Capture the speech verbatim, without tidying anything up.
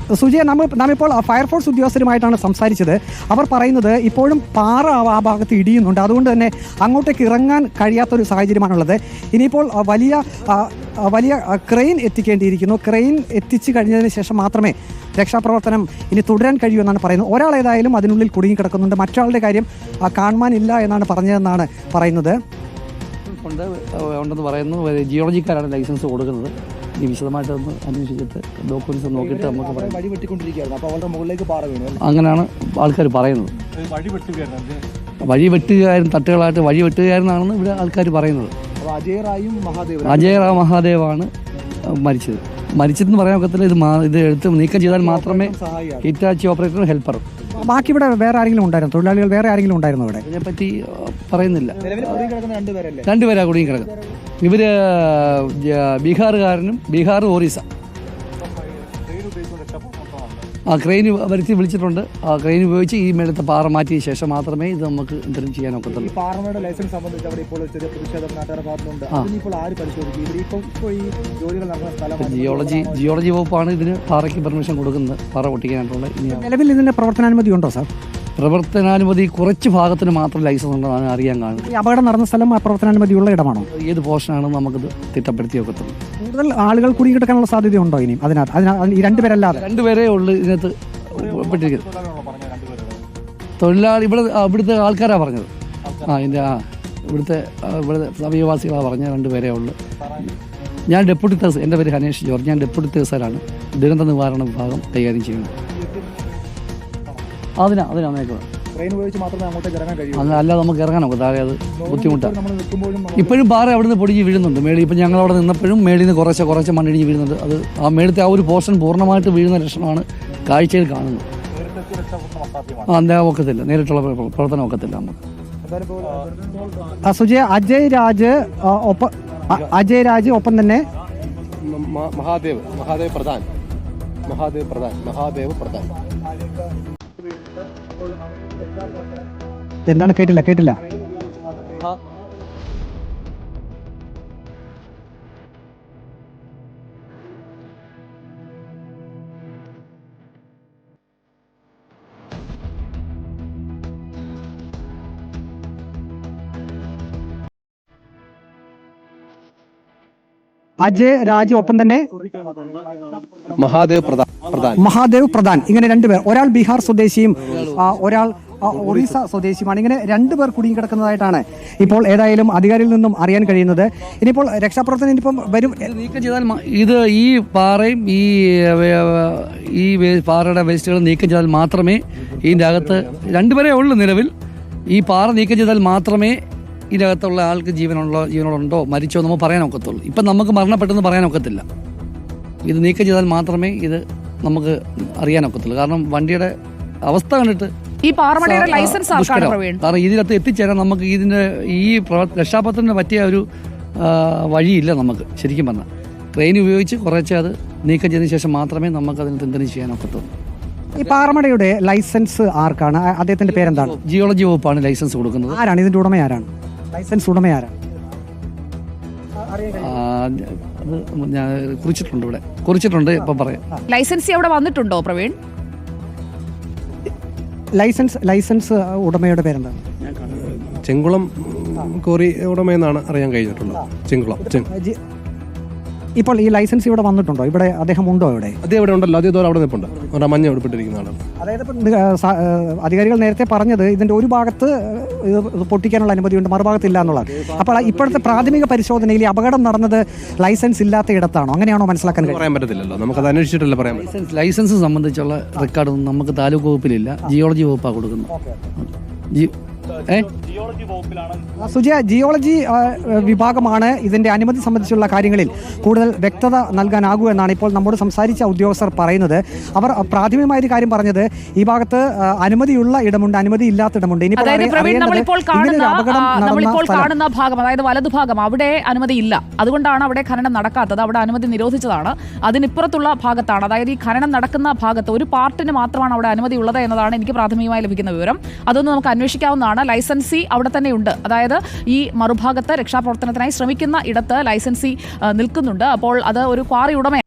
സുജയ, നമ്മൾ നാം ഇപ്പോൾ ഫയർഫോഴ്സ് ഉദ്യോഗസ്ഥരുമായിട്ടാണ് സംസാരിച്ചത്. അവർ പറയുന്നത് ഇപ്പോഴും പാറ ആ ഭാഗത്ത് ഇടിയുന്നുണ്ട്, അതുകൊണ്ട് തന്നെ അങ്ങോട്ടേക്ക് ഇറങ്ങാൻ കഴിയാത്തൊരു സാഹചര്യമാണുള്ളത്. ഇനിയിപ്പോൾ വലിയ വലിയ ക്രെയിൻ എത്തിക്കേണ്ടിയിരിക്കുന്നു. ക്രെയിൻ എത്തിച്ചു കഴിഞ്ഞതിന് ശേഷം മാത്രമേ രക്ഷാപ്രവർത്തനം ഇനി തുടരാൻ കഴിയൂ എന്നാണ് പറയുന്നത്. ഒരാൾ ഏതായാലും അതിനുള്ളിൽ കുടുങ്ങിക്കിടക്കുന്നുണ്ട്, മറ്റൊരാളുടെ കാര്യം കാണുവാനില്ല എന്നാണ് പറഞ്ഞതെന്നാണ് പറയുന്നത്. ഉണ്ട് ഉണ്ടെന്ന് പറയുന്നു. ജിയോളജിക്കാരാണ് ലൈസൻസ് കൊടുക്കുന്നത്. ഈ വിശദമായിട്ടൊന്ന് അന്വേഷിച്ചിട്ട് ഡോക്യുമെന്റ്സ് നോക്കിയിട്ട് നമുക്ക് പറയാം. വഴി വെട്ടിക്കൊണ്ടിരിക്കുകയായിരുന്നു, അപ്പോൾ അവരുടെ മുകളിലേക്ക് പാറ വീണു. അങ്ങനെയാണ് ആൾക്കാർ പറയുന്നത്. വഴി വെട്ടുകാരൻ തട്ടുകളായിട്ട് വഴി വെട്ടുകാരനാണെന്ന് ഇവിടെ ആൾക്കാർ പറയുന്നത്. അജയ് റായും മഹാദേവ് അജയ് റാ മഹാദേവാണ് മരിച്ചത്. മരിച്ചതെന്ന് പറയാൻ ഒക്കത്തില്ല. ഇത് ഇത് എടുത്ത് നീക്കം ചെയ്താൽ മാത്രമേ ഹിറ്റാച്ചി ഓപ്പറേറ്ററും ഹെൽപ്പറും. ബാക്കി ഇവിടെ വേറെ ആരെങ്കിലും ഉണ്ടായിരുന്നു? തൊഴിലാളികൾ വേറെ ആരെങ്കിലും ഉണ്ടായിരുന്നു ഇവിടെ? ഇതിനെപ്പറ്റി പറയുന്നില്ല. രണ്ടുപേരാ കുടുങ്ങി കിടക്കുന്നത്. ഇവര് ബീഹാറുകാരനും ബീഹാർ ഒറീസ. ആ ക്രെയിൻ വരുത്തി വിളിച്ചിട്ടുണ്ട്. ആ ക്രെയിൻ ഉപയോഗിച്ച് ഈ മേളത്തെ പാറ മാറ്റിയ ശേഷം മാത്രമേ ഇത് നമുക്ക് എന്തെങ്കിലും ചെയ്യാൻ ഒക്കത്തുള്ളൂ. പാറയുടെ ലൈസൻസ് സംബന്ധിച്ച് അവിടെ ഇപ്പോൾ ചെറിയ പ്രതിഷേധം നാട്ടുകാരുടെ ഭാഗത്തുണ്ട്. അതിനിപ്പോൾ ആര് പരിശോധിക്കും? ഇവിടെ ഇപ്പോൾ ഈ ജോലികൾ നടക്കുന്ന സ്ഥലം ജിയോളജി ജിയോളജി വകുപ്പാണ് ഇതിന് പാറയ്ക്ക് പെർമിഷൻ കൊടുക്കുന്നത്, പാറ പൊട്ടിക്കാനായിട്ടുള്ള. നിലവിൽ ഇതിന്റെ പ്രവർത്തനാനുമതി ഉണ്ടോ സാർ? പ്രവർത്തനാനുമതി കുറച്ച് ഭാഗത്തിന് മാത്രം ലൈസൻസ് ഉണ്ടെന്നാണ് അറിയാൻ കാണുന്നത്. ഈ അപകടം നടന്ന സ്ഥലം പ്രവർത്തനാനുമതിയുള്ള ഇടമാണോ? ഏത് പോർഷനാണെന്ന് നമുക്കിത് തിട്ടപ്പെടുത്തി ഒക്കത്തുള്ളൂ. കൂടുതൽ ആളുകൾ കുടുങ്ങിക്കിടക്കാനുള്ള സാധ്യതയുണ്ടോ ഇനിയും അതിനകത്ത്? അതിനകത്ത് ഈ രണ്ടുപേരല്ലാതെ രണ്ടുപേരേ ഉള്ളു ഇതിനകത്ത് പെട്ടിരിക്കുന്നത്. തൊഴിലാളി ഇവിടെ ഇവിടുത്തെ ആൾക്കാരാണ് പറഞ്ഞത്. ആ ഇതിൻ്റെ ആ ഇവിടുത്തെ ഇവിടുത്തെ സമീപവാസികളാണ് പറഞ്ഞത്. രണ്ടുപേരേ ഉള്ളു. ഞാൻ ഡെപ്യൂട്ടി തഹസിൽ, എൻ്റെ പേര് ഹനേഷ് ജോർജ്. ഞാൻ ഡെപ്യൂട്ടി തഹസിലാണ് ദുരന്ത നിവാരണ വിഭാഗം കൈകാര്യം ചെയ്യുന്നത്. അതിനാ അതിനാ മേക്കുന്നത്. അല്ലാതെ നമുക്ക് ഇറങ്ങാനൊക്കെ താഴെ അത് ബുദ്ധിമുട്ടാണ്. ഇപ്പോഴും പാറ അവിടെ നിന്ന് പൊടിഞ്ഞ് വീഴുന്നുണ്ട് മേളിൽ. ഇപ്പം ഞങ്ങൾ അവിടെ നിന്നപ്പോഴും മേളിൽ നിന്ന് കുറച്ച് കുറച്ച് മണ്ണിടിഞ്ഞ് വീഴുന്നുണ്ട്. അത് ആ മേളത്തെ ആ ഒരു പോർഷൻ പൂർണ്ണമായിട്ട് വീഴുന്ന ലക്ഷണമാണ് കാഴ്ചയിൽ കാണുന്നത്. ആ എന്താ ഒക്കത്തില്ല, നേരിട്ടുള്ള പ്രവർത്തനം ഒക്കത്തില്ല നമുക്ക്. സുജയ, അജയ് രാജ് ഒപ്പം അജയ് രാജ് ഒപ്പം തന്നെ മഹാദേവ് മഹാദേവ് പ്രധാൻ മഹാദേവ് പ്രധാൻ മഹാദേവ് പ്രധാൻ എന്താണ്? കേട്ടില്ല കേട്ടില്ല അജയ് രാജ് ഒപ്പം തന്നെ മഹാദേവ് പ്രധാൻ പ്രധാൻ മഹാദേവ് പ്രധാൻ ഇങ്ങനെ രണ്ടുപേർ. ഒരാൾ ബീഹാർ സ്വദേശിയും ഒരാൾ ഒറീസ സ്വദേശിയുമാണ്. ഇങ്ങനെ രണ്ടുപേർ കുടുങ്ങിക്കിടക്കുന്നതായിട്ടാണ് ഇപ്പോൾ ഏതായാലും അധികാരിയിൽ നിന്നും അറിയാൻ കഴിയുന്നത്. ഇനിയിപ്പോൾ രക്ഷാപ്രവർത്തനം ഇനിയിപ്പം വരും. നീക്കം ചെയ്താൽ ഇത് ഈ പാറയും ഈ ഈ പാറയുടെ വേസ്റ്റുകൾ നീക്കം ചെയ്താൽ മാത്രമേ ഇതിൻ്റെ അകത്ത് രണ്ടുപേരേ ഉള്ളൂ നിലവിൽ. ഈ പാറ നീക്കം ചെയ്താൽ മാത്രമേ ഇതിനകത്തുള്ള ആൾക്ക് ജീവനുള്ള ജീവനോടുണ്ടോ മരിച്ചോ നമുക്ക് പറയാൻ ഒക്കത്തുള്ളൂ. ഇപ്പം നമുക്ക് മരണപ്പെട്ടെന്ന് പറയാൻ ഒക്കത്തില്ല. ഇത് നീക്കം ചെയ്താൽ മാത്രമേ ഇത് നമുക്ക് അറിയാൻ ഒക്കത്തുള്ളൂ. കാരണം വണ്ടിയുടെ അവസ്ഥ കണ്ടിട്ട് ഈ പാറമടയുടെ ലൈസൻസ് കാരണം ഇതിനകത്ത് എത്തിച്ചേരാൻ നമുക്ക് ഇതിന്റെ ഈ രക്ഷാപ്രവർത്തനത്തിന് പറ്റിയ ഒരു വഴിയില്ല നമുക്ക്. ശരിക്കും പറഞ്ഞാൽ ട്രെയിൻ ഉപയോഗിച്ച് കുറച്ച് അത് നീക്കം ചെയ്തതിനു ശേഷം മാത്രമേ നമുക്ക് അതിന് എന്തെങ്കിലും ചെയ്യാൻ ഒക്കത്തുള്ളൂ. ഈ പാറമടയുടെ ലൈസൻസ് ആർക്കാണ്? അദ്ദേഹത്തിന്റെ പേരെന്താണ്? ജിയോളജി വകുപ്പാണ് ലൈസൻസ് കൊടുക്കുന്നത്. ആരാണ് ഇതിന്റെ ഉടമ? ആരാണ് ലൈസൻസ് ഉടമ? ആരാണ്? അത് ഞാൻ കുറിച്ചിട്ടുണ്ട്, ഇവിടെ കുറിച്ചിട്ടുണ്ട്. ഇപ്പൊ പറയാം. ലൈസൻസ് അവിടെ വന്നിട്ടുണ്ടോ പ്രവീൺ? ലൈസൻസ് ലൈസൻസ് ഉടമയുടെ പേരെന്താണ്? ചെങ്കുളം കോറി ഉടമയെന്നാണ് അറിയാൻ കഴിഞ്ഞിട്ടുള്ളത്. ചെങ്കുളം. ഇപ്പോൾ ഈ ലൈസൻസ് ഇവിടെ വന്നിട്ടുണ്ടോ? ഇവിടെ അദ്ദേഹം ഉണ്ടോ? ഇവിടെ അദ്ദേഹം ഇവിടെ ഉണ്ടല്ലോ. അദ്ദേഹം അവിടെ നിൽപ്പുണ്ട്. അവിടെ മഞ്ഞ ഉൾപ്പെട്ടിരിക്കുന്നതാണ്. അതായത് അധികാരികൾ നേരത്തെ പറഞ്ഞത് ഇതിന്റെ ഒരു ഭാഗത്ത് പൊട്ടിക്കാനുള്ള അനുമതിയുണ്ട്, മറുഭാഗത്ത് ഇല്ല എന്നുള്ളത്. അപ്പോൾ ഇപ്പോഴത്തെ പ്രാഥമിക പരിശോധനയിൽ അപകടം നടന്നത് ലൈസൻസ് ഇല്ലാത്ത ഇടത്താണോ? അങ്ങനെയാണോ മനസ്സിലാക്കാൻ പറയാൻ പറ്റത്തില്ലല്ലോ, നമുക്കത് അന്വേഷിച്ചിട്ടല്ല പറയാൻ പറ്റും. ലൈസൻസ് സംബന്ധിച്ചുള്ള റെക്കോർഡൊന്നും നമുക്ക് താലൂക്ക് വകുപ്പിലില്ല, ജിയോളജി വകുപ്പാണ് കൊടുക്കുന്നത്. സുജയ, ജിയോളജി വിഭാഗമാണ് ഇതിന്റെ അനുമതി സംബന്ധിച്ചുള്ള കാര്യങ്ങളിൽ കൂടുതൽ വ്യക്തത നൽകാനാകൂ എന്നാണ് ഇപ്പോൾ നമ്മോട് സംസാരിച്ച ഉദ്യോഗസ്ഥർ പറയുന്നത്. അവർ പ്രാഥമികമായ ഒരു കാര്യം പറഞ്ഞത് ഈ ഭാഗത്ത് അനുമതിയുള്ള ഇടമുണ്ട്, അനുമതി ഇല്ലാത്ത ഇടമുണ്ട്. നമ്മളിപ്പോൾ കാണുന്ന ഭാഗം, അതായത് വലതുഭാഗം, അവിടെ അനുമതി ഇല്ല. അതുകൊണ്ടാണ് അവിടെ ഖനനം നടക്കാത്തത്. അവിടെ അനുമതി നിരോധിച്ചതാണ്. അതിനിപ്പുറത്തുള്ള ഭാഗത്താണ്, അതായത് ഈ ഖനനം നടക്കുന്ന ഭാഗത്ത് ഒരു പാർട്ടിന് മാത്രമാണ് അവിടെ അനുമതി ഉള്ളത് എന്നതാണ് എനിക്ക് പ്രാഥമികമായി ലഭിക്കുന്ന വിവരം. അതൊന്നും നമുക്ക് അന്വേഷിക്കാവുന്നതാണ്. ലൈസൻസി അവിടെ തന്നെയുണ്ട്. അതായത് ഈ മറുഭാഗത്ത് രക്ഷാപ്രവർത്തനത്തിനായി ശ്രമിക്കുന്ന ഇടത്ത് ലൈസൻസി നിൽക്കുന്നുണ്ട്. അപ്പോൾ അത് ഒരു ക്വാറി ഉടമ